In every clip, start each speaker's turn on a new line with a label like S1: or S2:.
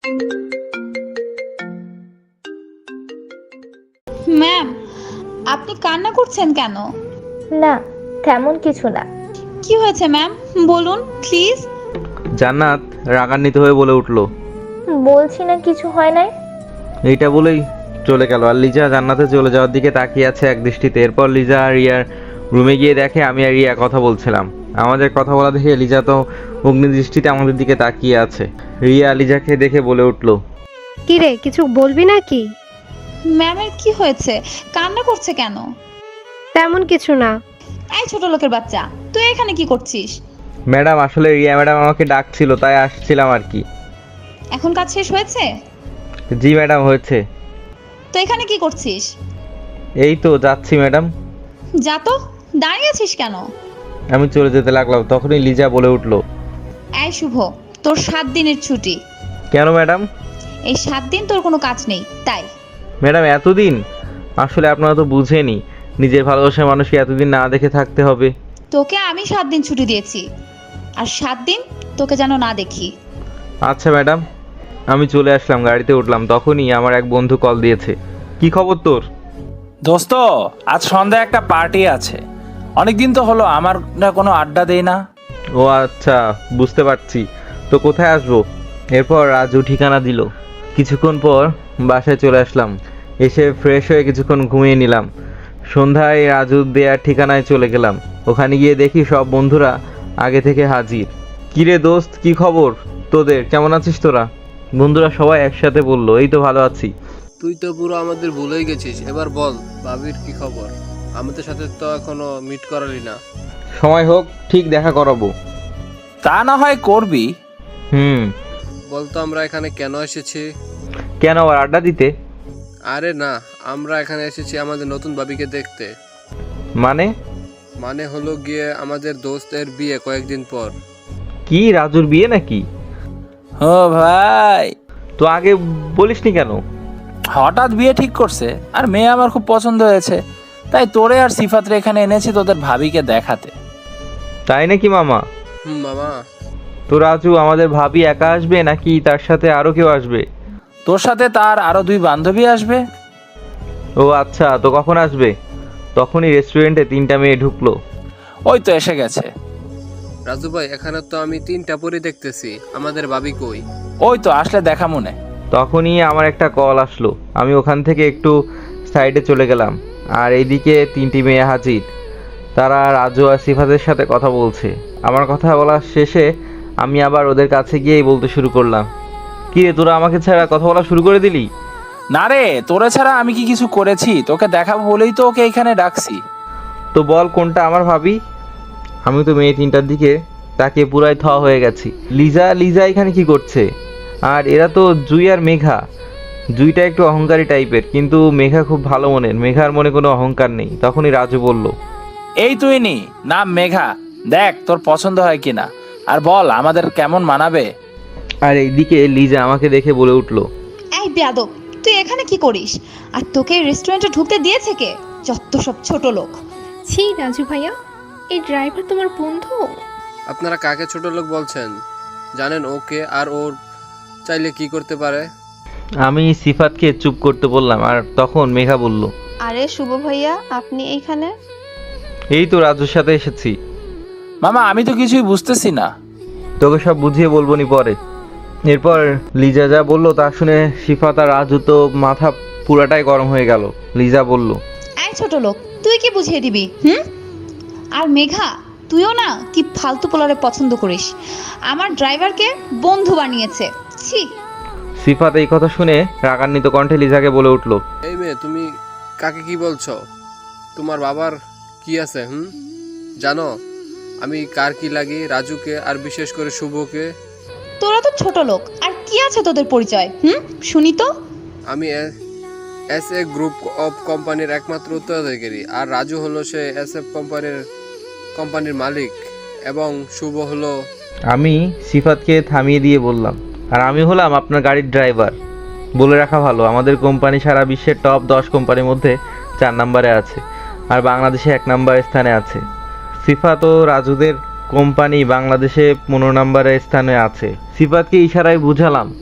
S1: Ma'am, আপনি কান্না করছেন কেন?
S2: না, তেমন কিছু না।
S1: কি হয়েছে ম্যাম, বলুন প্লিজ।
S3: জান্নাত রাগান্বিত হয়ে বলে উঠল।
S2: বলছি না কিছু হয় নাই।
S3: এইটা বলেই চলে গেল। আর লিজা জান্নাতে চলে যাওয়ার দিকে তাকিয়ে আছে এক দৃষ্টিতে। এরপর লিজা আর রিয়ার রুমে গিয়ে দেখে আমি আর রিয়া কথা বলছিলাম। আমাদের কথা বলা দেখে লিজা তো অগ্নি দৃষ্টিতে আমাদের দিকে তাকিয়ে আছে। রিয়া লিজাকে দেখে বলে উঠল,
S4: কি রে, কিছু বলবি নাকি?
S1: ম্যামের কি হয়েছে, কান্না করছে কেন?
S4: তেমন কিছু না।
S1: এই ছোট লোকের বাচ্চা, তুই এখানে কি করছিস?
S3: ম্যাডাম আসলে রিয়া ম্যাডাম আমাকে ডাকছিল, তাই আসছিলাম আর কি।
S1: এখন কাজ শেষ হয়েছে?
S3: জি ম্যাডাম, হয়েছে।
S1: তো এখানে কি করছিস?
S3: এই তো যাচ্ছি ম্যাডাম।
S1: যা তো, দাঁড়িয়ে আছিস কেন?
S3: আমি চলে যেতে লাগলাম, তখনই লিজা বলে উঠল,
S1: এই শুভ, তোর 7 দিনের ছুটি।
S3: কেন ম্যাডাম?
S1: এই 7 দিন তোর কোনো কাজ নেই, তাই।
S3: ম্যাডাম এতদিন? আসলে আপনারা তো বুঝেনি, নিজের ভালোবাসার মানুষকে এতদিন না দেখে থাকতে হবে।
S1: তোকে আমি 7 দিন ছুটি দিয়েছি, আর 7 দিন তোকে যেন না দেখি।
S3: আচ্ছা ম্যাডাম। আমি চলে আসলাম, গাড়িতে উঠলাম, তখনই আমার এক বন্ধু কল দিয়েছে। কি খবর তোর?
S5: দোস্ত, আজ সন্ধ্যায় একটা পার্টি আছে। অনেকদিন তো হলো আমরা কোনো আড্ডা দেই না।
S3: ও আচ্ছা, বুঝতে পারছি। তো কোথায় আসবো? এরপর রাজু ঠিকানা দিল। কিছুক্ষণ পর বাসায় চলে আসলাম। এসে ফ্রেশ হয়ে কিছুক্ষণ ঘুমিয়ে নিলাম। সন্ধ্যায় রাজু দেয়ার ঠিকানায় চলে গেলাম। ওখানে গিয়ে দেখি সব বন্ধুরা আগে থেকে হাজির। কিরে দোস্ত, কি খবর তোদের? কেমন আছিস তোরা? বন্ধুরা সবাই একসাথে বললো, এই তো ভালো আছি।
S6: তুই তো পুরো আমাদের ভুলেই গেছিস। এবার বল, ভাবির কি খবর? আমাদের সাথে তো এখনো মিট করালি না।
S3: সময় হোক, ঠিক দেখা করাবো।
S5: তা না হয় করবি।
S6: বলতো আমরা এখানে কেন এসেছি?
S3: কেন, আবার আড্ডা দিতে?
S6: আরে না, আমরা এখানে এসেছি আমাদের নতুন ভাবিকে দেখতে।
S3: মানে?
S6: মানে হলো গিয়ে আমাদের দোস্তের বিয়ে কয়েকদিন পর।
S3: কি, রাজুর বিয়ে নাকি?
S5: ও ভাই,
S3: তো আগে বলিসনি কেন?
S5: হঠাৎ বিয়ে ঠিক করছে, আর মেয়ে আমার খুব পছন্দ হয়েছে, তাই তোরে আর সিফাতরে এখানে এনেছি তোদের ভাবিকে দেখাতে।
S3: তাই নাকি মামা?
S6: মামা।
S3: তো রাজু, আমাদের ভাবি একা আসবে নাকি তার সাথে আরো কেউ আসবে?
S5: তোর সাথে তার আরো 2 বান্ধবী আসবে।
S3: ও আচ্ছা, তো কখন আসবে? তখনই রেস্টুরেন্টে 3টা মেয়ে ঢুকলো।
S5: ওই তো এসে গেছে।
S6: রাজু ভাই, এখানে তো আমি 3টা পরি দেখতেছি, আমাদের ভাবি কই?
S5: ওই তো আসলে দেখা মনে।
S3: তখনই আমার একটা কল আসলো। আমি ওখান থেকে একটু সাইডে চলে গেলাম, আর এইদিকে 3টি মেয়ে হাজির। তারা রাজু আর সিফাতের সাথে কথা বলছে। আমার কথা বলা শেষে আমি আবার ওদের কাছে গিয়েই বলতে শুরু করলাম, কি রে, তোরা আমাকে ছাড়া কথা বলা শুরু করে দিলি?
S5: না রে, তোরে ছাড়া আমি কি কিছু করেছি? তোকে দেখাবো বলেই তো ওকে এখানে ডাকছি।
S3: তো বল, কোনটা আমার ভাবি? আমি তো মেয়ে 3টার দিকে তাকিয়ে পুরাই থ হয়ে গেছি। লিজা লিজা এখানে কি করছে? আর এরা তো জুই আর মেঘা। জুইটা একটু অহংকারী টাইপের, কিন্তু মেঘা খুব ভালো মনের। মেঘার মনে কোনো অহংকার নেই। তখনই রাজু বলল,
S5: এই তুই নি, নাম মেঘা, দেখ তোর পছন্দ হয় কিনা, আর বল আমাদের কেমন মানাবে।
S3: আর এইদিকে লিজা আমাকে দেখে বলে উঠল,
S1: এই বেয়াদব, তুই এখানে কি করিস? আর তোকে রেস্টুরেন্টে ঢুকতে দিয়েছে কে? যত সব ছোট লোক।
S4: ছি রাজু ভাইয়া, এই ড্রাইভার তোমার বন্ধু?
S6: আপনারা কাকে ছোট লোক বলছেন? জানেন ওকে, আর ওর চাইলে কি করতে পারে?
S3: আমি সিফাতকে চুপ করতে বললাম। আর তখন মেঘা বলল,
S7: আরে শুভ ভাইয়া, আপনি এইখানে?
S3: এই তো রাজুর সাথে এসেছি।
S5: মামা, আমি তো কিছুই বুঝতেছি না।
S3: তোকে সব বুঝিয়ে বলবো নি পরে। এরপর লিজা যা বললো তা শুনে সিফাত আর রাজু তো মাথা পুরাটাই গরম হয়ে গেল। লিজা বলল,
S1: এই ছোট লোক, তুই কি বুঝিয়ে দিবি? আর মেঘা, তুইও না কি ফালতু পোলারে পছন্দ করিস। আমার ড্রাইভারকে বন্ধু বানিয়েছে, ছি।
S3: সিফাত এই কথা শুনে রাগান্বিত কণ্ঠে লিজাকে বলে উঠল,
S6: এই মেয়ে, তুমি কাকে কি বলছো? তোমার বাবার কি আছে? জানো আমি কার কি লাগি? রাজুকে, আর বিশেষ করে শুভকে।
S1: তোরা তো ছোট লোক, আর কি আছে তোদের পরিচয়? শুনি তো।
S6: আমি এস এ গ্রুপ অফ কোম্পানির একমাত্র উত্তরাধিকারী, আর রাজু হলো সে এস এফ কোম্পানির মালিক, এবং শুভ হলো।
S3: আমি সিফাতকে থামিয়ে দিয়ে বললাম, আর আমি হলাম আপনার গাড়ির ড্রাইভার। বলে রাখা ভালো, আমাদের কোম্পানি সারা বিশ্বের টপ 10 কোম্পানির মধ্যে 4 নম্বরে আছে, আর বাংলাদেশে 1 নম্বর স্থানে আছে। সিফাত ও রাজুদের কোম্পানি বাংলাদেশে 15 নম্বরের স্থানে আছে। সিফাতকে ইশারায় বুঝালাম,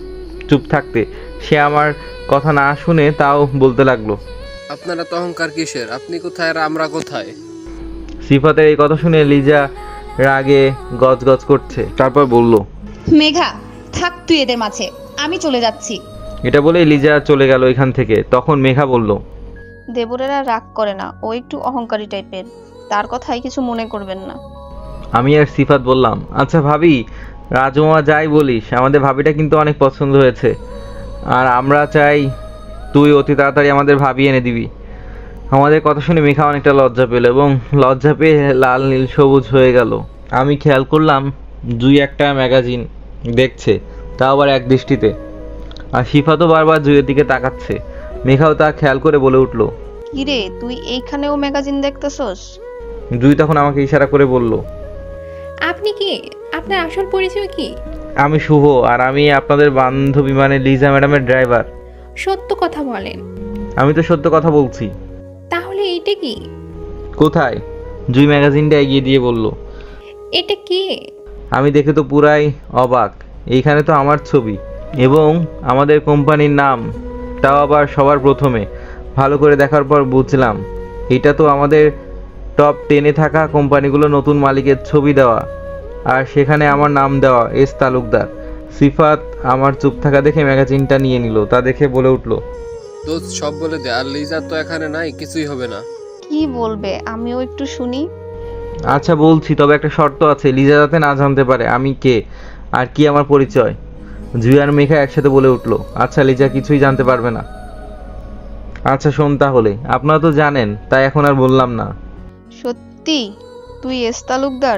S3: চুপ থাকতে। সে আমার কথা না শুনে তাও বলতে লাগলো।
S6: আপনারা তো অহংকার কিসের? আপনি কোথায় আর আমরা কোথায়?
S3: সিফাতের এই কথা শুনে লিজা রাগে গজগজ করছে। তারপর বলল,
S1: মেঘা থাক তুই এদের মাঝে, আমি চলে যাচ্ছি।
S3: এটা বলে লিজা চলে গেল এখান থেকে। তখন মেঘা বলল,
S7: দেবরেরা রাগ করে না, ও একটু অহংকারী টাইপের, তার কথাই কিছু মনে করবেন না।
S3: আমি আর সিফাত বললাম, আচ্ছা ভাবি, রাজমা যাই বলিস, আমাদের ভাবিটা কিন্তু অনেক পছন্দ হয়েছে, আর আমরা চাই তুই অতি তাড়াতাড়ি আমাদের ভাবি এনে দিবি। আমাদের কথা শুনে মেঘা অনেকটা লজ্জা পেল এবং লজ্জা পেয়ে লাল নীল সবুজ হয়ে গেল। আমি খেয়াল করলাম জুই একটা ম্যাগাজিন দেখছে, তাও আবার এক দৃষ্টিতে, আর সিফাতও বারবার জুইয়ের দিকে তাকাচ্ছে। মেঘাও তা খেয়াল করে বলে উঠল।
S7: কিরে, তুই এইখানেও ম্যাগাজিন দেখতেছস?
S3: জুই তখন আমাকে ইশারা করে বলল,
S4: আপনি কি? আপনার আসল পরিচয় কি?
S3: আমি শুভ, আর আমি আপনাদের বান্ধবী মানে লিজা ম্যাডামের ড্রাইভার।
S4: সত্য কথা বলেন।
S3: আমি তো সত্য কথা বলছি।
S4: তাহলে এইটা কি?
S3: কোথায়? জুই ম্যাগাজিনটা এগিয়ে দিয়ে বলল।
S4: এটা কি?
S3: আমি দেখে তো পুরাই অবাক। এইখানে তো আমার ছবি এবং আমাদের কোম্পানির নাম, তাও আবার সবার প্রথমে। ভালো করে দেখার পর বুঝলাম এটা তো আমাদের টপ 10-এ থাকা কোম্পানিগুলো নতুন মালিকের ছবি দেওয়া, আর সেখানে আমার নাম দেওয়া, এস তালুকদার। সিফাত আমার চুপ থাকা দেখে ম্যাগাজিনটা নিয়ে নিল। তা দেখে বলে উঠল,
S6: দোস্ত সব বলে দে, আর লিজা তো এখানে নাই, কিছুই হবে না।
S7: কি বলবে আমিও একটু শুনি।
S3: আচ্ছা বলছি, তবে একটা শর্ত আছে, লিজা যাতে না জানতে পারে আমি কে আর কি আমার পরিচয়। জুই আর মেঘা একসাথে বলে উঠলো, আচ্ছা লিজা কিছুই জানতে পারবে না। আচ্ছা শোন তাহলে, আপনারা তো জানেন, তাই এখন আর বললাম না।
S7: সত্যি তুই এস তালুকদার?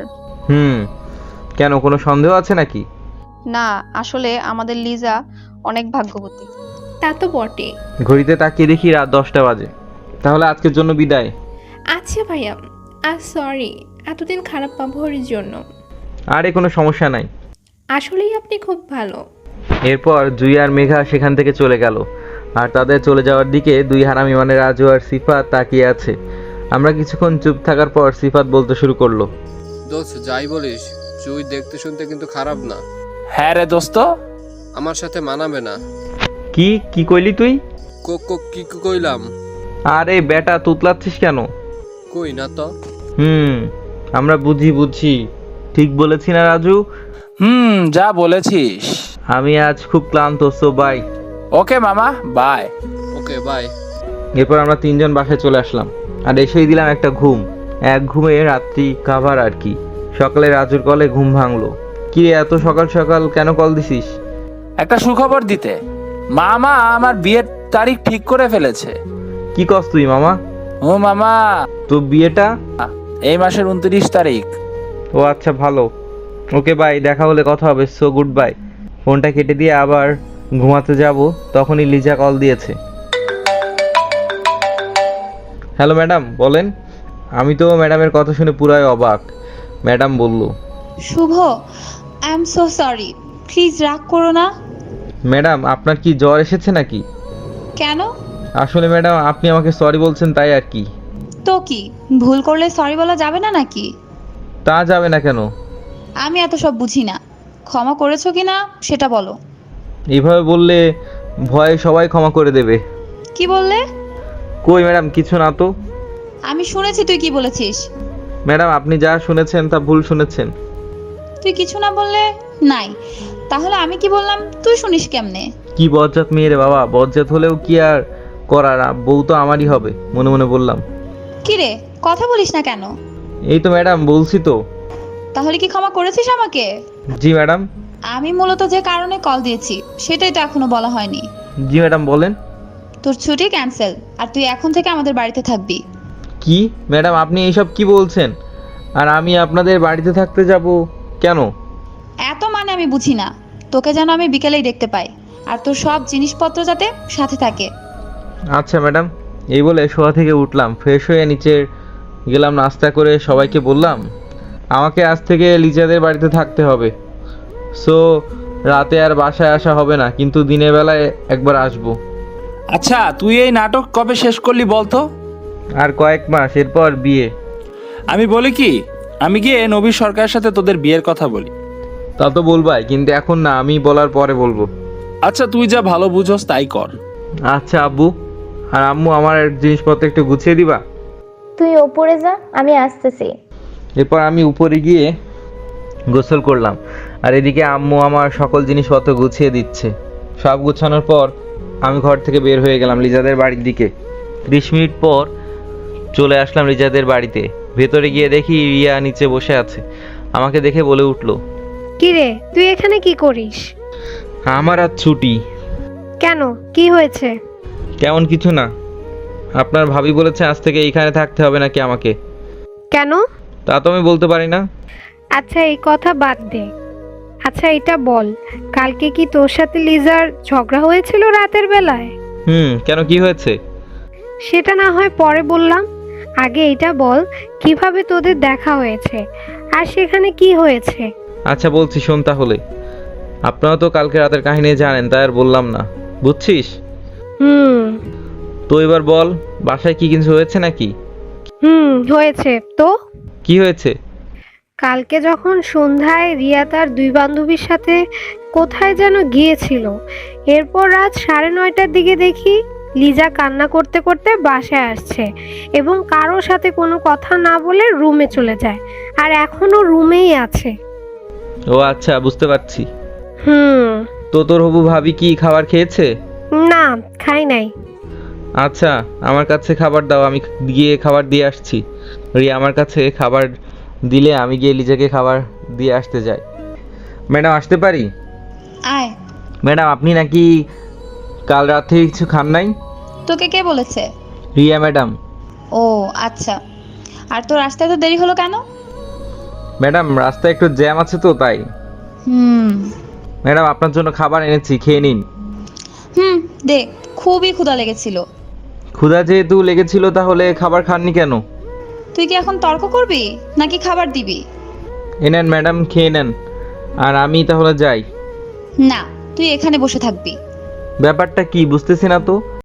S3: কেন, কোনো সন্দেহ আছে নাকি?
S7: না, আসলে আমাদের লিজা অনেক ভাগ্যবতী।
S4: তা তো বটে।
S3: ঘড়িতে তাকিয়ে দেখি রাত 10টা বাজে। তাহলে আজকের জন্য বিদায়।
S4: আচ্ছা ভাইয়া, আর সরি এতদিন খারাপ ব্যবহারের জন্য।
S3: আরে কোনো সমস্যা নাই।
S4: আসলেই আপনি খুব ভালো।
S3: এরপর জুই আর মেঘা সেখান থেকে চলে গেল, আর তাদের চলে যাওয়ার দিকে দুই হারামি মানে রাজু আর সিফাত তাকিয়ে আছে। আমরা কিছুক্ষণ চুপ থাকার পর সিফাত বলতে শুরু করলো,
S6: দোস্ত যাই বলিস, জুই দেখতে শুনতে কিন্তু খারাপ না।
S5: হ্যাঁ রে দোস্ত।
S6: আমার সাথে মানাবে না।
S3: কি কইলি তুই?
S6: কি কইলাম?
S3: আরে বেটা, তুতলাচ্ছিস কেন?
S6: কই না তো।
S3: আমরা বুঝি ঠিক বলেছি না রাজু?
S5: যা বলেছিস।
S3: আমি আজ খুব ক্লান্ত, সো বাই।
S5: ওকে মামা, বাই।
S6: Okay bye.
S3: এরপর আমরা তিনজন বাসায় চলে আসলাম, আর এসেই দিলাম একটা ঘুম। এক ঘুমে রাত্রি কাভার আর কি। সকালে রাজুর কলে ঘুম ভাঙলো। কি রে, এত সকাল সকাল কেন কল দিছিস?
S5: একটা সুখবর দিতে। মামা আমার বিয়ের তারিখ ঠিক করে ফেলেছে।
S3: কি কস তুই মামা?
S5: ও মামা,
S3: তো বিয়েটা?
S5: এই মাসের 29 তারিখ।
S3: ও আচ্ছা, ভালো। ওকে বাই, দেখা হলে কথা হবে। So good bye. ফোনটা কেটে দিয়ে আবার ঘুমাতে যাব, তখনই লিজা কল দিয়েছে। হ্যালো ম্যাডাম, বলেন। আমি তো ম্যাডামের কথা শুনে পুরাই অবাক। ম্যাডাম বলল,
S1: Shubho, I am so sorry, please রাগ করো না।
S3: ম্যাডাম আপনার কি জ্বর এসেছে নাকি?
S1: কেন?
S3: আসলে ম্যাডাম আপনি আমাকে সরি বলছেন তাই আর কি।
S1: তো কি, ভুল করলে সরি বলা যাবে না নাকি?
S3: তা যাবে না কেন?
S1: আমি এত সব বুঝি না। ক্ষমা করেছো কি না সেটা বলো।
S3: এইভাবে বললে ভয়ে সবাই ক্ষমা করে দেবে।
S1: কি বললে?
S3: কই ম্যাডাম, কিছু না তো।
S1: আমি শুনেছি তুই কি বলেছিস।
S3: ম্যাডাম আপনি যা শুনেছেন তা ভুল শুনেছেন।
S1: তুই কিছু না বললে নাই, তাহলে আমি কি বললাম তুই শুনিস কেমনে?
S3: কি বজ্জাত মেয়ে রে বাবা, বজ্জাত হলেও কি আর করার, বউ তো আমারই হবে, মনে মনে বললাম।
S1: কি রে, কথা বলিস না কেন?
S3: এই তো ম্যাডাম বলছি তো।
S1: তাহলে কি ক্ষমা করেছিস আমাকে?
S3: জি ম্যাডাম।
S1: আমি মূলত যে কারণে কল দিয়েছি সেটাই তো এখনো বলা হয়নি।
S3: জি ম্যাডাম বলেন।
S1: তোর ছুটি ক্যান্সেল, আর তুই এখন থেকে আমাদের বাড়িতে থাকবি।
S3: কি ম্যাডাম আপনি এইসব কি বলছেন? আর আমি আপনাদের বাড়িতে থাকতে যাব কেন?
S1: এত মানে আমি বুঝি না। তোকে যেন আমি বিকেলেই দেখতে পাই, আর তোর সব জিনিসপত্র যাতে সাথে থাকে।
S3: আচ্ছা ম্যাডাম। এই বলে শোয়া থেকে উঠলাম, ফ্রেশ হয়ে নিচে গেলাম, নাস্তা করে সবাইকে বললাম আমাকে আজ থেকে লিজাদের বাড়িতে থাকতে হবে। সো রাতে আর বাসায় আসা হবে না, কিন্তু দিনের বেলায় একবার আসবো।
S5: আচ্ছা তুই এই নাটক কবে শেষ করলি বলতো?
S3: আর কয়েক মাস, এরপর বিয়ে।
S5: আমি বলি কি, আমি গিয়ে নবীর সরকারের সাথে তোদের বিয়ের কথা বলি।
S3: তা তো বলবাই, কিন্তু এখন না, আমি বলার পরে বলবো।
S5: আচ্ছা তুই যা ভালো বুঝোস তাই কর।
S3: আচ্ছা আব্বু। আর আম্মু আমার জিনিসপত্র একটু গুছিয়ে দিবা।
S2: তুই ওপরে যা, আমি আসতেছি।
S3: এরপর আমি উপরে গিয়ে গোসল করলাম, আর এদিকে আম্মু আমার সকল জিনিসপত্র গুছিয়ে দিচ্ছে। সব গুছানোর পর আমি ঘর থেকে বের হয়ে গেলাম লিজাদের বাড়ির দিকে। 30 মিনিট পর চলে আসলাম লিজাদের বাড়িতে। ভেতরে গিয়ে দেখি রিয়া নিচে বসে আছে। আমাকে দেখে বলে উঠলো,
S8: কিরে তুই এখানে কি করিস?
S3: আমার আজ ছুটি।
S8: কেন, কি হয়েছে?
S3: তেমন কিছু না। আপনার ভাবি বলেছে আজ থেকে এইখানে থাকতে হবে নাকি আমাকে।
S8: কেন?
S3: তা তো আমি বলতে পারি না।
S8: আচ্ছা এই কথা বাদ দে। আচ্ছা এটা বল, কালকে কি তোর সাথে লিজার ঝগড়া হয়েছিল রাতের বেলায়?
S3: কেন, কি হয়েছে?
S8: সেটা না হয় পরে বললাম, আগে এটা বল কিভাবে তোদের দেখা হয়েছে আর সেখানে কি হয়েছে।
S3: আচ্ছা বলছি, শোন তাহলে। আপনারা তো কালকে রাতের কাহিনী জানেন, তাই আর বললাম না, বুঝছিস? তো এবার বল, বাসায় কি কিছু হয়েছে নাকি?
S8: হয়েছে তো।
S3: কি হয়েছে?
S8: কালকে যখন সন্ধ্যায় রিয়া তার 2 বান্ধবীর সাথে কোথায় যেন গিয়েছিল, এরপর রাত 9:30টার দিকে দেখি লিজা কান্না করতে করতে বাসায় আসছে এবং কারোর সাথে কোনো কথা না বলে রুমে চলে যায়, আর এখনো রুমেই আছে।
S3: ও আচ্ছা, বুঝতে পারছি।
S8: হুম।
S3: তো তোর হবু ভাবি কি খাবার খেয়েছে?
S8: না, খাই নাই।
S3: আচ্ছা, আমার কাছে খাবার দাও, আমি গিয়ে খাবার দিয়ে আসছি। রিয়া আমার কাছে খাবার দিলে আমি গিয়ে লিজাকে খাবার দিয়ে আসতে যাই। ম্যাডাম আসতে পারি?
S1: আয়।
S3: ম্যাডাম আপনি নাকি কাল রাত থেকে কিছু খান নাই?
S1: তোকে কে বলেছে?
S3: রিয়া ম্যাডাম।
S1: ও আচ্ছা, আর তোর আসতে এত দেরি হলো কেন?
S3: ম্যাডাম রাস্তায় একটু জ্যাম আছে তো তাই। ম্যাডাম আপনার জন্য খাবার এনেছি, খেয়ে নিন।
S1: দে, খুবই ক্ষুধা লেগেছিল।
S3: ক্ষুধা যেহেতু লেগেছিল তাহলে খাবার খাননি কেন?
S1: তুই কি এখন তর্ক করবি নাকি খাবার দিবি?
S3: এনেন ম্যাডাম, খেয়ে নেন। আর আমি তাহলে যাই।
S1: না, তুই এখানে বসে থাকবি।
S3: ব্যাপারটা কি বুঝতেছি না তো।